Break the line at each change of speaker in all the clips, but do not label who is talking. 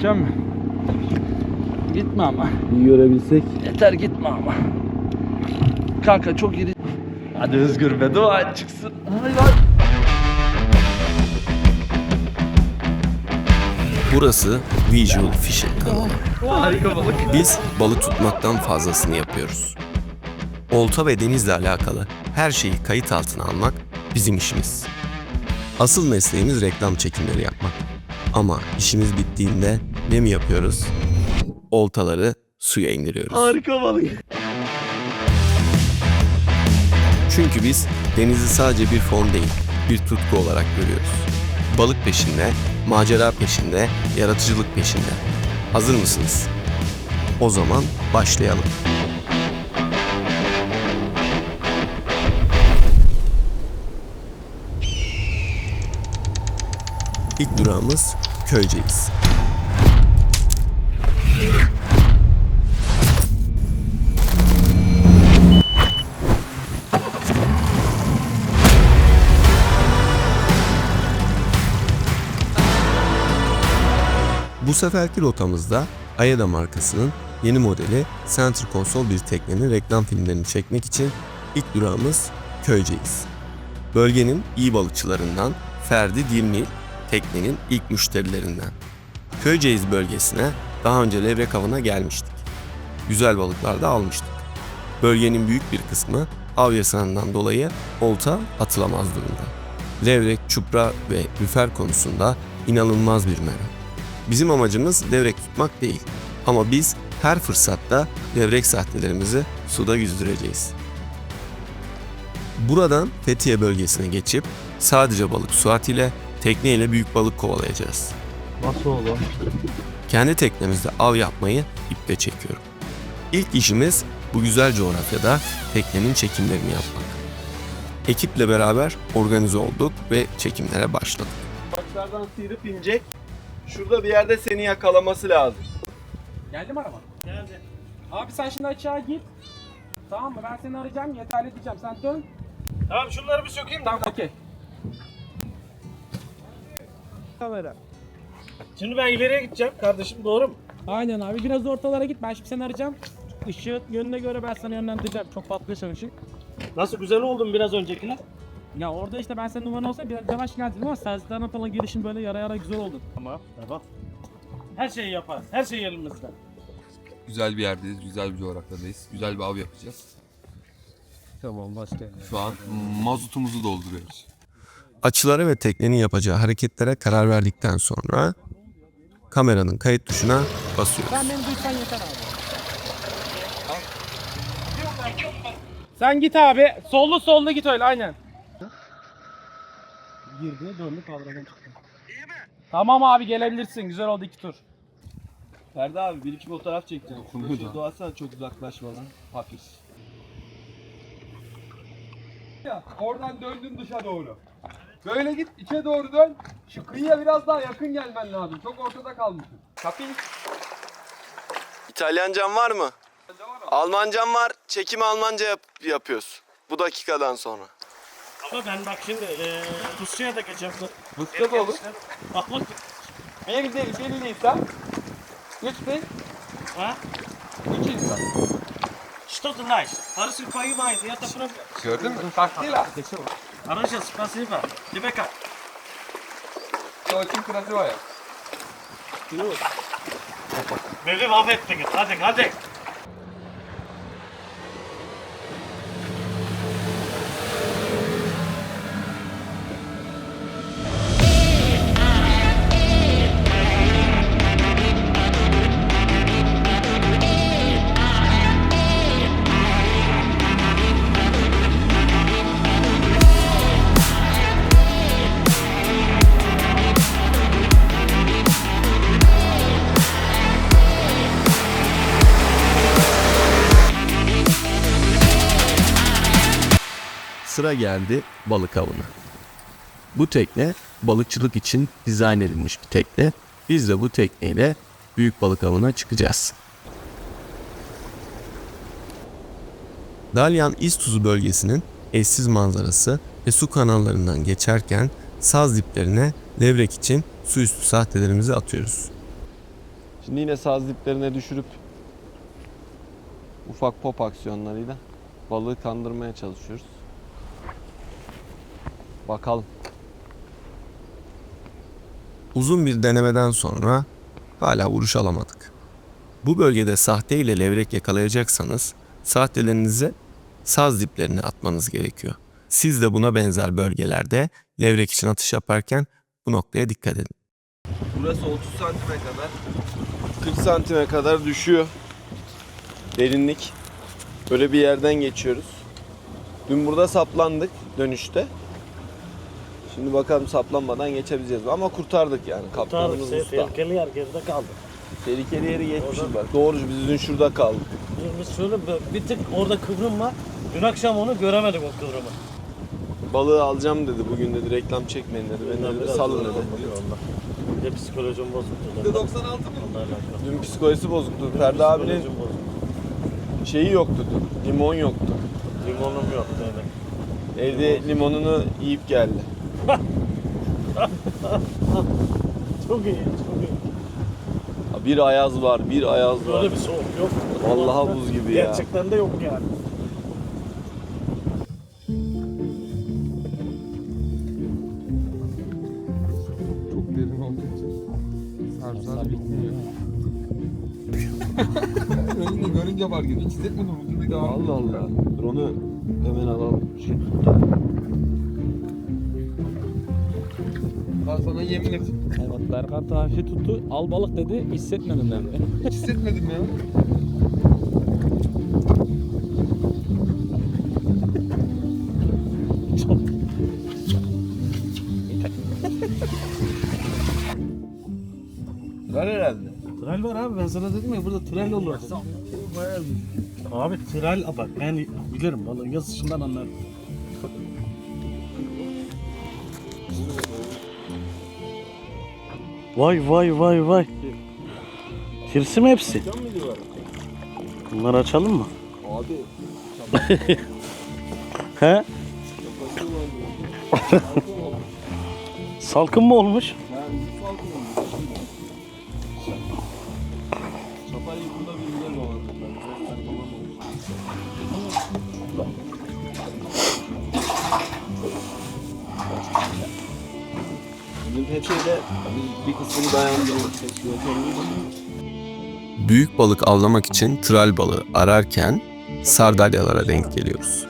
Geçeceğim mi? Gitme ama.
İyi görebilsek.
Yeter gitme ama. Kanka çok iri. Hadi Özgür be, dua et çıksın. Hayır.
Burası Visual Fishing kanalı.
Harika balık.
Biz balık tutmaktan fazlasını yapıyoruz. Olta ve denizle alakalı her şeyi kayıt altına almak bizim işimiz. Asıl mesleğimiz reklam çekimleri yapmak. Ama işimiz bittiğinde ne mi yapıyoruz? Oltaları suya indiriyoruz.
Harika balık.
Çünkü biz denizi sadece bir fon değil, bir tutku olarak görüyoruz. Balık peşinde, macera peşinde, yaratıcılık peşinde. Hazır mısınız? O zaman başlayalım. İlk durağımız Köyceğiz. Bu seferki rotamızda Ayada markasının yeni modeli Center Console bir teknenin reklam filmlerini çekmek için ilk durağımız Köyceğiz. Bölgenin iyi balıkçılarından Ferdi Dilmil, teknenin ilk müşterilerinden. Köyceğiz bölgesine daha önce levrek avına gelmiştik. Güzel balıklar da almıştık. Bölgenin büyük bir kısmı av yasağından dolayı olta atılamaz durumda. Levrek, çupra ve lüfer konusunda inanılmaz bir merak. Bizim amacımız levrek tutmak değil ama biz her fırsatta levrek sahtelerimizi suda yüzdüreceğiz. Buradan Fethiye bölgesine geçip sadece balık Suat ile tekneyle büyük balık kovalayacağız.
Nasıl olur?
Kendi teknemizde av yapmayı iple çekiyorum. İlk işimiz bu güzel coğrafyada teknenin çekimlerini yapmak. Ekiple beraber organize olduk ve çekimlere başladık.
Başlardan sıyırıp inecek. Şurada bir yerde seni yakalaması lazım.
Geldi mi araba? Geldi. Abi sen şimdi aşağı git. Tamam mı? Ben seni arayacağım, yeterli diyeceğim. Sen dön.
Tamam şunları bir sökeyim de.
Tamam, okey.
Kamera.
Şimdi ben ileriye gideceğim kardeşim, doğru mu?
Aynen abi. Biraz ortalara git. Ben şimdi seni arayacağım. Işığı yönüne göre ben sana yönlendireceğim. Çok patlıyorsan ışık.
Nasıl, güzel oldum biraz öncekine?
Ya orada işte ben senin numaran olsa biraz yavaş geldin ama sensizlerden falan girişin böyle yara yara güzel oldu.
Tamam. Her şeyi yaparız. Her şey elimizde.
Güzel bir yerdeyiz, güzel bir coğrafyadayız. Güzel bir av yapacağız.
Tamam, başka.
Şu an mazotumuzu dolduruyoruz.
Açılara ve teknenin yapacağı hareketlere karar verdikten sonra kameranın kayıt tuşuna basıyoruz.
Sen beni duysan yeter abi. Sen git abi. Sollu git öyle aynen. Girdi, döndü, kavradan çıktı. İyi mi? Tamam abi, gelebilirsin. Güzel oldu 2 tur.
Ferdi abi bir iki fotoğraf çekeceğim. Şurada doğasana, çok uzaklaşmadan. Hafif.
Oradan döndün dışa doğru. Böyle git, içe doğru dön. Şu kıyıya biraz daha yakın gelmen lazım. Çok ortada kalmışsın. Kapıyı.
İtalyancan var mı? Almancan var. Çekimi Almanca yapıyoruz. Bu dakikadan sonra.
Ama ben bak şimdi Rusya'ya da geçeceğim.
Rusça da olur.
Bak bak.
Bir değil, bir insan. Üç değil,
Ha?
2 insan.
Что ты знаешь? Парус понимает, я это просто...
Gördün mü? Taktıyla.
Хорошо, спасибо. Тебе как?
Очень красивая.
Beni mahvettiniz. Hadi.
Sıra geldi balık avına. Bu tekne balıkçılık için dizayn edilmiş bir tekne. Biz de bu tekneyle büyük balık avına çıkacağız. Dalyan İztuzu bölgesinin eşsiz manzarası ve su kanallarından geçerken saz diplerine levrek için su üstü sahtelerimizi atıyoruz. Şimdi yine saz diplerine düşürüp ufak pop aksiyonlarıyla balığı kandırmaya çalışıyoruz. Bakalım. Uzun bir denemeden sonra hala vuruş alamadık. Bu bölgede sahte ile levrek yakalayacaksanız sahtelerinizi saz diplerine atmanız gerekiyor. Siz de buna benzer bölgelerde levrek için atış yaparken bu noktaya dikkat edin. Burası 30 santime kadar, 40 santime kadar düşüyor derinlik. Böyle bir yerden geçiyoruz. Dün burada saplandık dönüşte. Şimdi bakalım saplanmadan geçebileceğiz mi? Ama kurtardık yani. Kaptanımız usta.
Tehlikeli yer geride kaldı.
Tehlikeli yeri geçmişiz bak. Doğru, biz dün şurada kaldık.
Biz şöyle bir tık orada kıvrım var. Dün akşam onu göremedik o kıvrımı.
Balığı alacağım dedi. Bugün dedi reklam çekmeyin dedi. Beni dedi salın dedi.
Bir de psikolojim bozuktu.
%96 mı?
Onunla alakalı.
Dün psikolojisi bozuktu. Ferdi abinin
Psikolojim bozuktu.
şeyi yoktu dün. Limon yoktu.
Limonum yok demek.
Evde limonunu yiyip geldi.
Çok iyi, çok iyi.
Bir ayaz var, bir ayaz var.
Böyle bir soğuk yok.
Vallahi buz gibi ya.
Gerçekten de yok yani.
Çok derin olduğu için sarımsak bitmiyor. Önünde görünce fark ediyor. Hiç hissetmedim. Ucunda devam
Allah Allah. Dur onu hemen alalım.
Ben sana yemin ettim.
Evet, Berkant hafif tuttu. Al balık dedi. Hissetmedim ben de.
Hiç hissetmedim ya.
Var herhalde.
Tral var abi, ben sana dedim ya burada tral olur. Abi tral bak, ben bilirim balığın yazışından anlarım. Vay vay vay vay. Tirsi mi hepsi? Bunları açalım mı?
Abi.
He? Salkım mı olmuş?
Çapayı burada bir güzel dolandı. Bizim peçeyle bir kısmını dayandırdık. Büyük balık avlamak için tral balığı ararken sardalyalara denk geliyoruz.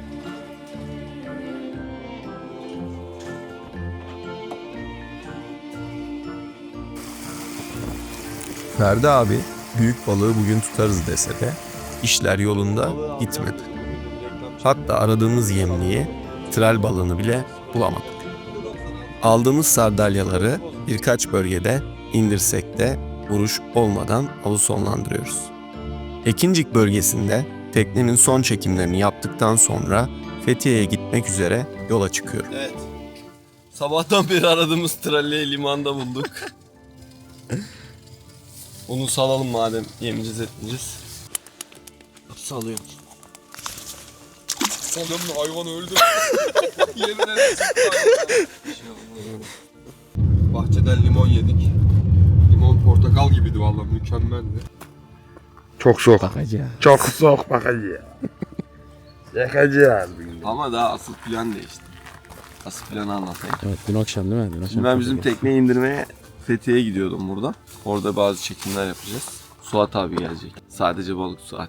Ferdi abi büyük balığı bugün tutarız dese de işler yolunda gitmedi. Hatta aradığımız yemliği, tral balığını bile bulamadık. Aldığımız sardalyaları birkaç bölgede indirsek de vuruş olmadan avı sonlandırıyoruz. Ekincik bölgesinde teknenin son çekimlerini yaptıktan sonra Fethiye'ye gitmek üzere yola çıkıyorum. Evet. Sabahtan beri aradığımız tralleyi limanda bulduk. Onu salalım madem yemeyeceğiz etmeyeceğiz. Salıyoruz.
Oğlum hayvan öldü. Yemin ederim. Bahçeden limon yedik. Limon portakal gibiydi vallahi, mükemmeldi.
Çok soğuk. Çok soğuk bakacağız. Yakacağız.
Ama daha asıl plan değişti. Asıl planı anlatayım.
Evet, dün akşam değil mi? Dün akşam.
Şimdi ben bizim tekneyi indirmeye Fethiye'ye gidiyordum burada. Orada bazı çekimler yapacağız. Suat abi gelecek. Sadece balık Suat.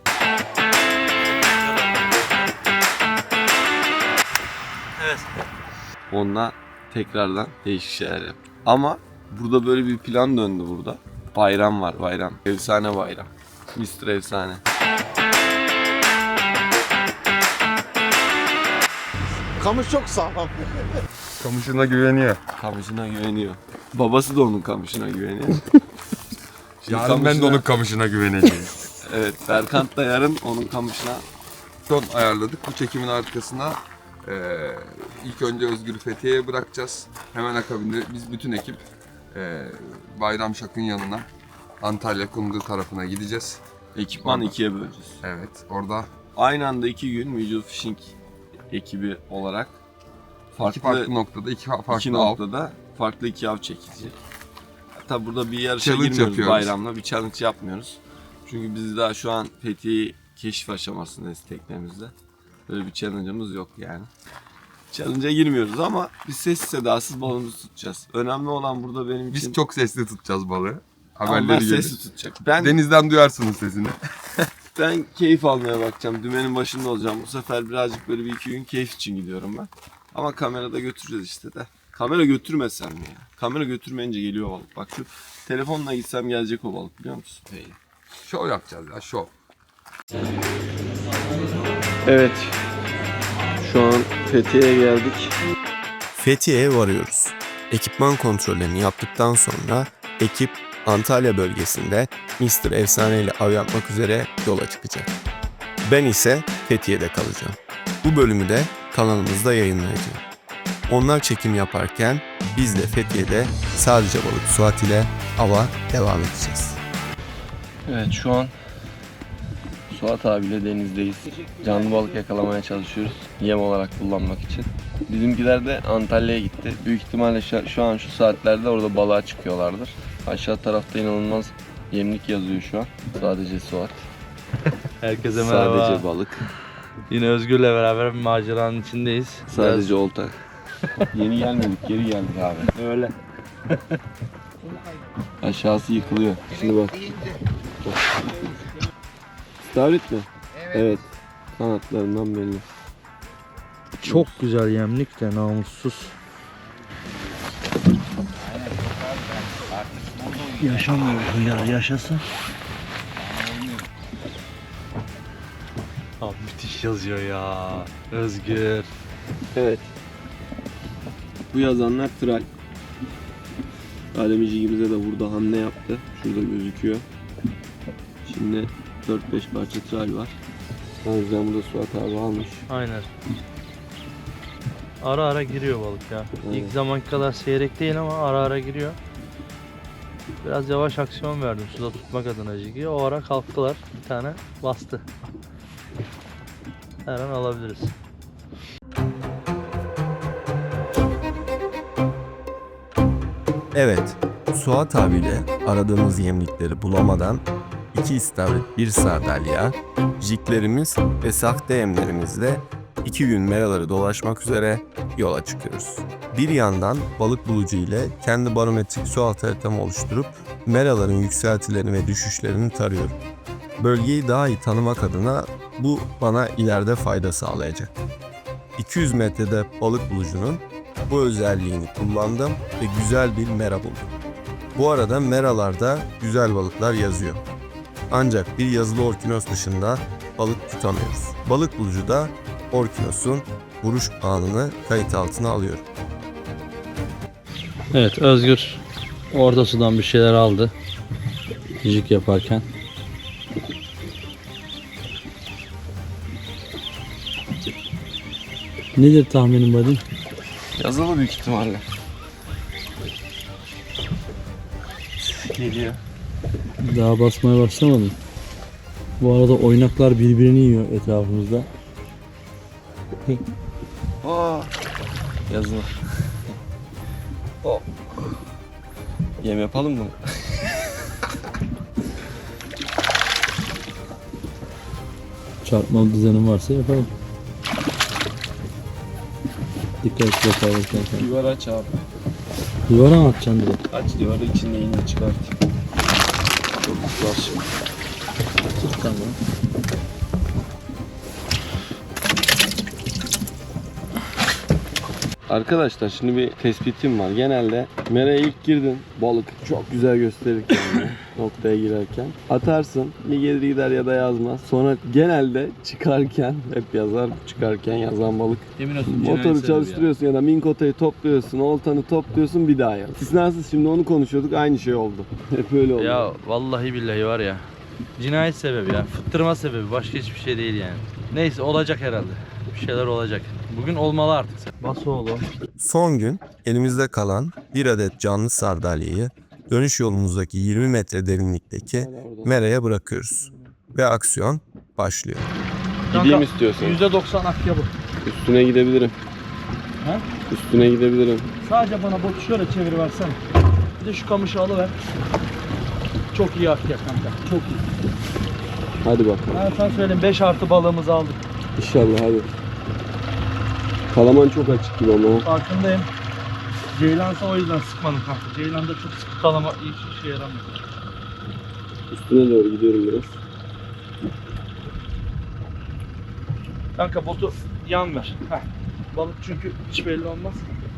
Evet.
Onunla tekrardan değişik şeyler yap. Ama burada böyle bir plan döndü burada. Bayram var, bayram. Efsane bayram. Mr. Efsane.
Kamış çok sağlam.
Kamışına güveniyor.
Kamışına güveniyor. Babası da onun kamışına güveniyor. Şimdi
Yarın ben de onun kamışına güveneceğim.
Evet, Berkant da yarın onun kamışına.
Son ayarladık. Bu çekimin arkasına ilk önce Özgür'ü Fethiye'ye bırakacağız. Hemen akabinde biz bütün ekip Bayram Şak'ın yanına, Antalya Kumru tarafına gideceğiz.
Ekipmanı ikiye böleceğiz.
Evet, orada
Aynı anda 2 gün Visual Fishing ekibi olarak
iki farklı noktada, iki farklı
iki
av.
noktada farklı 2 av çekilecek.
tabi burada bir yarışa
Challenge
girmiyoruz
yapıyoruz.
bayramla. Bir challenge yapmıyoruz. Çünkü biz daha şu an Fethiye'yi keşif aşamasındayız teknemizde. Böyle bir challenge'ımız yok yani. Challenge'a girmiyoruz ama biz sessiz sedasız balığımızı tutacağız. Önemli olan burada benim için...
Biz çok sesli tutacağız balığı.
Ama ben
Haberleri gelir.
sessiz tutacak. Ben
Denizden duyarsınız sesini.
Ben keyif almaya bakacağım. Dümenin başında olacağım. Bu sefer birazcık böyle bir iki gün keyif için gidiyorum ben. Ama kamerada götüreceğiz işte de. Kamera götürmesem mi ya? Kamera götürmeyince geliyor balık. Bak şu telefonla gitsem gelecek o balık biliyor musun?
Şov yapacağız ya, şov.
Evet. Şu an Fethiye'ye geldik.
Fethiye'ye varıyoruz. Ekipman kontrollerini yaptıktan sonra ekip Antalya bölgesinde Mr. Efsane ile av yapmak üzere yola çıkacak. Ben ise Fethiye'de kalacağım. Bu bölümü de kanalımızda yayınlayacağım. Onlar çekim yaparken biz de Fethiye'de sadece balık Suat ile ava devam edeceğiz.
Evet şu an Suat abiyle denizdeyiz. Canlı balık yakalamaya çalışıyoruz. Yem olarak kullanmak için. Bizimkiler de Antalya'ya gitti. Büyük ihtimalle şu an şu saatlerde orada balığa çıkıyorlardır. Aşağı tarafta inanılmaz yemlik yazıyor şu an. Sadece Suat.
Herkese merhaba.
Sadece balık.
Yine Özgür'le beraber bir maceranın içindeyiz.
Sadece olta. Yeni gelmedik, geri geldik abi.
Öyle.
Aşağısı yıkılıyor. Şimdi bak. İstavrit mi? Evet. Kanatlarından belli.
Çok güzel yemlik de namussuz. Yaşamıyor ya, yaşasın. Abi müthiş yazıyor ya. Özgür.
Evet. Bu yazanlar tral. Alemicigimize de burada hamle yaptı. Şurada gözüküyor. Şimdi 4-5 parça tral var. O yüzden burada Suat abi almış.
Aynen. Ara ara giriyor balık ya.
Evet.
İlk zamanki kadar seyrek değil ama ara ara giriyor. Biraz yavaş aksiyon verdim suda tutmak adına Jig'i. O ara kalktılar. Bir tane bastı. Her an alabiliriz.
Evet, Suat abiyle aradığımız yemlikleri bulamadan 2 istavrit, 1 sardalya, jiglerimiz ve sahte yemlerimizle 2 gün meraları dolaşmak üzere yola çıkıyoruz. Bir yandan balık bulucu ile kendi barometrik su altı haritamı oluşturup meraların yükseltilerini ve düşüşlerini tarıyorum. Bölgeyi daha iyi tanımak adına bu bana ileride fayda sağlayacak. 200 metrede balık bulucunun bu özelliğini kullandım ve güzel bir mera buldum. Bu arada meralarda güzel balıklar yazıyor. Ancak bir yazılı orkinos dışında balık tutamıyoruz. Balık bulucu da orkinosun vuruş anını kayıt altına alıyor.
Evet, Özgür orta sudan bir şeyler aldı. Jig yaparken. Nedir tahminin Badin?
Yazılı büyük ihtimalle. Geliyor.
Daha basmaya başlamadım. Bu arada oynaklar birbirini yiyor etrafımızda.
Aa, yazılı. Hop. Yem yapalım mı?
Çarpmalı düzenim varsa yapalım. Dikkatli yaparken.
Duvar aç abi.
Duvara mı atacaksın direkt?
Aç duvarı içinde iğne çıkart. Çok güzel şimdi.
Tamam.
Arkadaşlar şimdi bir tespitim var. Genelde meraya ilk girdin, balık çok güzel gösterir kendini noktaya girerken. Atarsın, bir gelir gider ya da yazmaz. Sonra genelde çıkarken, hep yazar, çıkarken yazan balık. Motoru çalıştırıyorsun ya da minkotayı topluyorsun, oltanı topluyorsun, bir daha yaz. İstisnasız şimdi onu konuşuyorduk, aynı şey oldu. Hep öyle oldu.
Ya vallahi billahi var ya. Cinayet sebebi ya. Fıttırma sebebi. Başka hiçbir şey değil yani. Neyse olacak herhalde. Bir şeyler olacak. Bugün olmalı artık. Bas oğlum.
Son gün elimizde kalan bir adet canlı sardalyeyi dönüş yolumuzdaki 20 metre derinlikteki meraya bırakıyoruz. Ve aksiyon başlıyor.
Gideyim istiyorsan.
%90 akya bu.
Üstüne gidebilirim.
Ha?
Üstüne gidebilirim.
Sadece bana botu şöyle çeviriversene.
Bir de şu kamışı alıver. Çok iyi akıyor kanka. Çok iyi.
Hadi bakalım.
Ben sana söyleyeyim 5 artı balığımızı aldık.
İnşallah hadi. Kalaman çok açık gibi ama.
Farkındayım. Ceylansa o yüzden sıkmadım kanka. Ceylanda çok sıkı kalama hiç işe yaramıyor.
Üstüne doğru gidiyorum biraz.
Kanka botu yan ver. Heh. Balık çünkü hiç belli olmaz.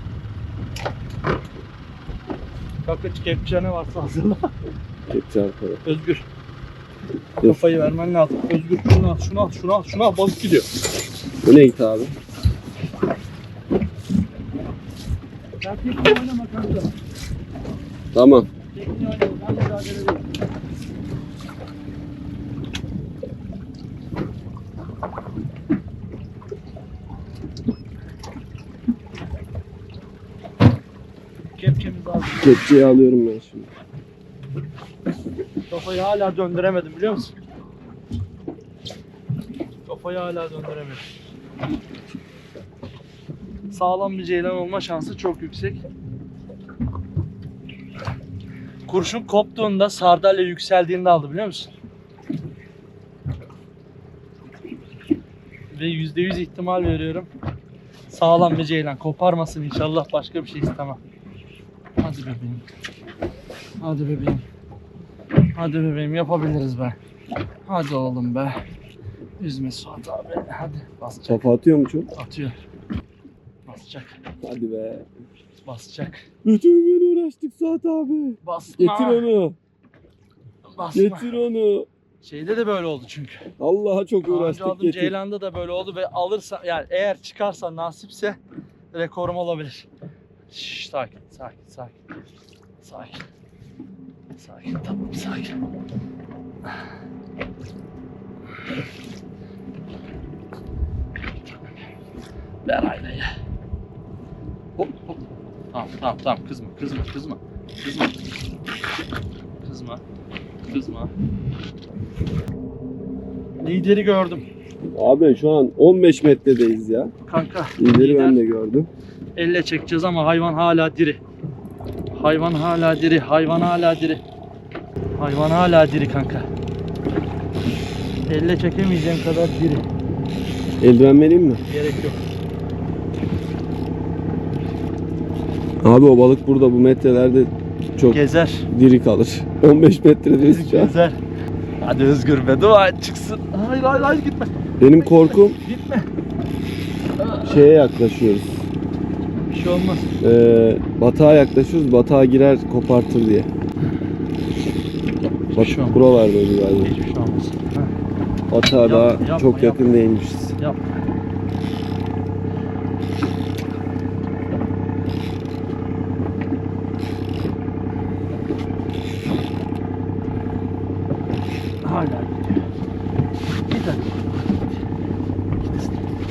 Kanka kepçe ne varsa hazırla.
Kepçe arkada.
Özgür. Kafayı vermen lazım. Özgür şunu al, şunu al, şunu al, şunu al. Balık gidiyor.
Bu ne git abi?
Sen tekne oynama kanka.
Tamam.
Tekne oynama. Ben mücadele edeyim. Kepçemiz lazım.
Kepçeyi alıyorum ben şimdi.
Kafayı hala döndüremedim biliyor musun? Kafayı hala döndüremedim. Sağlam bir ceylan olma şansı çok yüksek. Kurşun koptuğunda sardalya yükseldiğinde aldı biliyor musun? Ve %100 ihtimal veriyorum. Sağlam bir ceylan. Koparmasın inşallah, başka bir şey istemem. Hadi bebeğim. Hadi bebeğim. Hadi bebeğim, yapabiliriz be. Hadi oğlum be. Üzme Suat abi. Hadi basacak.
Kafa atıyor mu çok?
Atıyor. Basacak.
Hadi be.
Basacak.
Bütün gün uğraştık Suat abi.
Basma.
Getir onu.
Basma.
Getir onu.
Şeyde de böyle oldu çünkü.
Allah'a çok
Daha önce
uğraştık,
aldığım
getir.
Ceylan'da da böyle oldu ve alırsa yani eğer çıkarsa nasipse rekorum olabilir. Şşş, sakin, sakin, sakin. Sakin. Sakin, tamam, sakin. Ver aynayı. Hop hop. Tamam, tamam, tamam. Kızma, kızma, kızma. Kızma. Kızma. Kızma. Lideri gördüm.
Abi şu an 15 metredeyiz ya.
Kanka.
İleri ben
lider.
de gördüm.
Elle çekeceğiz ama hayvan hala diri. Hayvan hala diri. Hayvan hala diri. Hayvan hala diri kanka. Elle çekemeyeceğim kadar diri.
Eldiven vereyim mi?
Gerek yok.
Abi o balık burada bu metrelerde çok
Gezer.
diri kalır. 15 metredeyiz şu an.
Gezer. Hadi Özgür be, dua et çıksın. Hayır hayır hayır, gitme.
Benim korkum
Gitme.
şeye yaklaşıyoruz.
Bir şey olmaz.
Batağa yaklaşıyoruz. Batağa girer kopartır diye. Bak
şey olmaz.
buralarda öyle galiba.
Hiçbir şey olmaz. Heh,
Batağa daha
yapma,
çok yakın
yapma.
değilmişiz.
yap. Hala gidiyor. Git hadi. Git.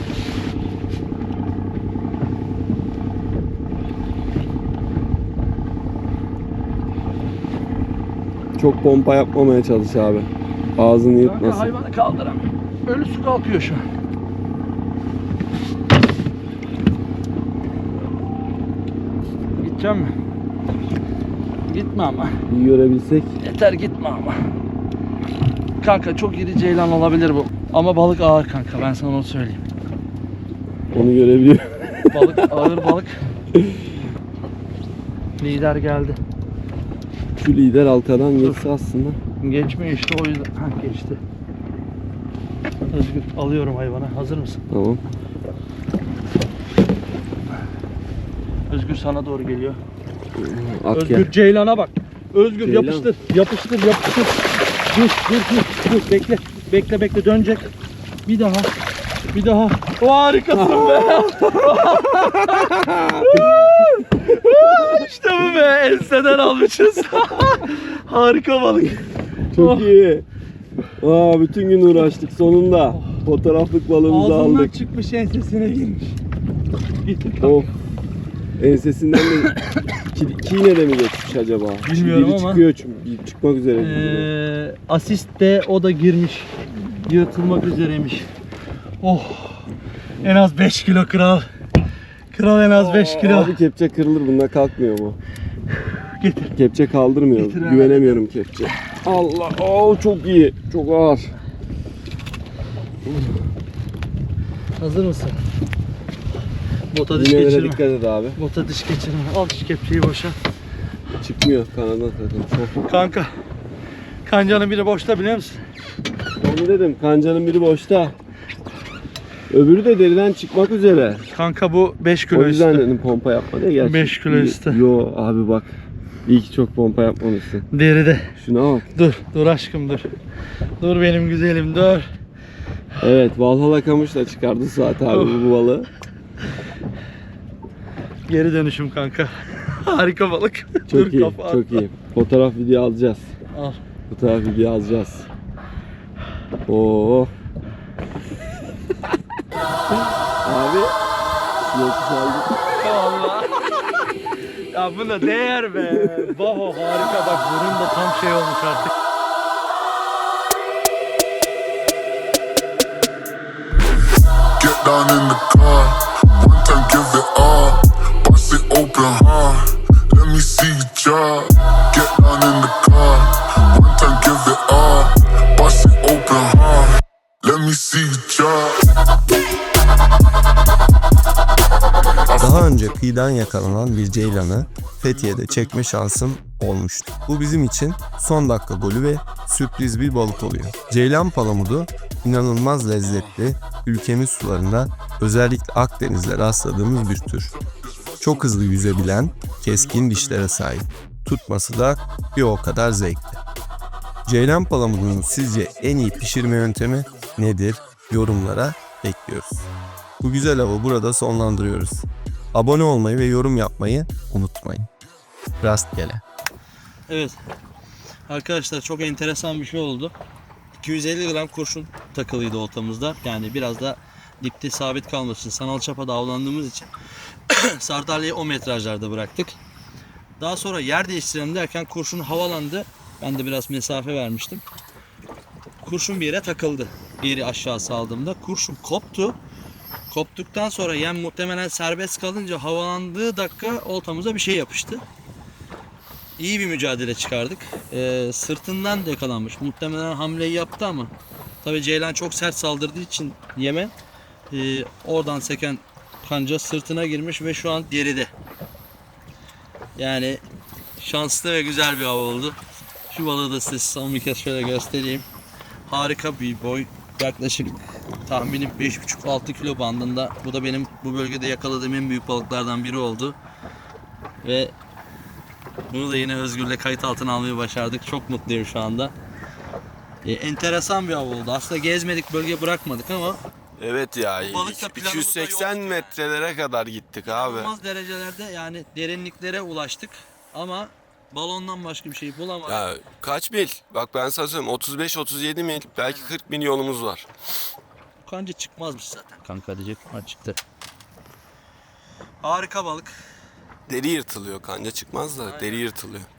Çok pompa yapmamaya çalış abi. Ağzını
Kanka
yırtmasın.
hayvanı kaldıramam. Ölüsü kalkıyor şu an. Gideceğim mi? Gitme ama.
İyi görebilsek.
Yeter, gitme ama. Kanka çok iri ceylan olabilir bu. Ama balık ağır kanka, ben sana onu söyleyeyim.
Onu görebiliyor.
Balık ağır balık. Lider geldi.
Şu lider halkadan geçse aslında.
Geçmiyor işte, o yüzden. Ha, geçti. Özgür, alıyorum hayvanı. Hazır mısın?
Tamam.
Özgür sana doğru geliyor.
At
Özgür
gel.
ceylana bak. Özgür
Ceylan.
yapıştır. Yapıştır, yapıştır. Dur. Bekle. Bekle, dönecek. Bir daha. Bir daha. O harikasın be. İşte bu be. Enseden almışız. Harika balık.
Çok iyi. Aa, bütün gün uğraştık sonunda. Fotoğraflık balığımızı
Ağzından
aldık.
çıkmış, ensesine girmiş.
Of. Ensesinden de kine de mi geçmiş acaba?
Bilmiyorum
Biri
ama.
çıkıyor çünkü çıkmak üzere.
Asist de o da girmiş. Yırtılmak üzereymiş. Oh. En az 5 kilo kral. Kral en az 5 kilo.
Abi kepçe kırılır, bununla kalkmıyor mu?
Getir.
Kepçe kaldırmıyor.
Getir abi.
Güvenemiyorum kepçe. Allah. Çok iyi. Çok ağır.
Hazır mısın? Bota diş
Yine
geçirme.
dikkat et abi.
Bota diş geçirme. Al şu kepçeyi boşa.
Çıkmıyor kanadan zaten.
Kanka. Kancanın biri boşta biliyor musun?
Onu dedim. Kancanın biri boşta. Öbürü de deriden çıkmak üzere.
Kanka bu 5 kilo
O yüzden
üstü.
dedim pompa yapma diye. Gerçi
5 kilo üstü.
Yo abi bak. İyi ki çok pompa yapmamışsın.
Deride.
Şuna bak.
Dur aşkım dur. Dur benim güzelim dur.
Evet, Valhalla kamışla çıkardı Suat abi bu balığı.
Geri dönüşüm kanka. Harika balık.
Çok
dur
iyi,
kafa
çok iyi. Fotoğraf video alacağız.
Al.
Fotoğraf video alacağız. Oo. Abi, sinek saldı.
Allah. Ya buna değer be. Baho harika bak burun da tam şey olmuş artık.
Get down in the car, one time give it all. Bust it open hard, let me see you drop. Get down in the car, one time give it all. Bust it open hard, let me see you drop.
Daha önce kıyıdan yakalanan bir ceylanı Fethiye'de çekme şansım olmuştu. Bu bizim için son dakika golü ve sürpriz bir balık oluyor. Ceylan palamudu inanılmaz lezzetli, ülkemiz sularında özellikle Akdeniz'de rastladığımız bir tür. Çok hızlı yüzebilen, keskin dişlere sahip. Tutması da bir o kadar zevkli. Ceylan palamudunun sizce en iyi pişirme yöntemi nedir? Yorumlara bekliyoruz. Bu güzel avı burada sonlandırıyoruz. Abone olmayı ve yorum yapmayı unutmayın. Rastgele.
Evet. Arkadaşlar çok enteresan bir şey oldu. 250 gram kurşun takılıydı oltamızda. Yani biraz da dipte sabit kalması için sanal çapada avlandığımız için sardalyayı o metrajlarda bıraktık. Daha sonra yer değiştirelim derken kurşun havalandı. Ben de biraz mesafe vermiştim. Kurşun bir yere takıldı. Bir yeri aşağı saldığımda kurşun koptu. Koptuktan sonra yem muhtemelen serbest kalınca havalandığı dakika oltamıza bir şey yapıştı. İyi bir mücadele çıkardık. Sırtından da yakalanmış. Muhtemelen hamleyi yaptı ama tabii ceylan çok sert saldırdığı için yeme oradan seken kanca sırtına girmiş ve şu an deride. Yani şanslı ve güzel bir av oldu. Şu balığı da size son bir kez şöyle göstereyim. Harika bir boy. Yaklaşık tahminim 5,5-6 kilo bandında. Bu da benim bu bölgede yakaladığım en büyük balıklardan biri oldu. Ve bunu da yine Özgür'le kayıt altına almayı başardık. Çok mutluyum şu anda. Enteresan bir av oldu. Aslında gezmedik, bölge bırakmadık ama
Evet ya,
balık da planımızda
280
yoktu.
metrelere kadar gittik abi.
inanılmaz derecelerde yani derinliklere ulaştık. Ama balondan başka bir şey bulamadık.
Ya kaç mil? Bak ben sana söyleyeyim, 35-37 mil, belki 40 mil yolumuz var.
Kanca çıkmazmış zaten. Kanka diyecek ama çıktı. Harika balık.
Deri yırtılıyor, kanca çıkmaz da deri yırtılıyor.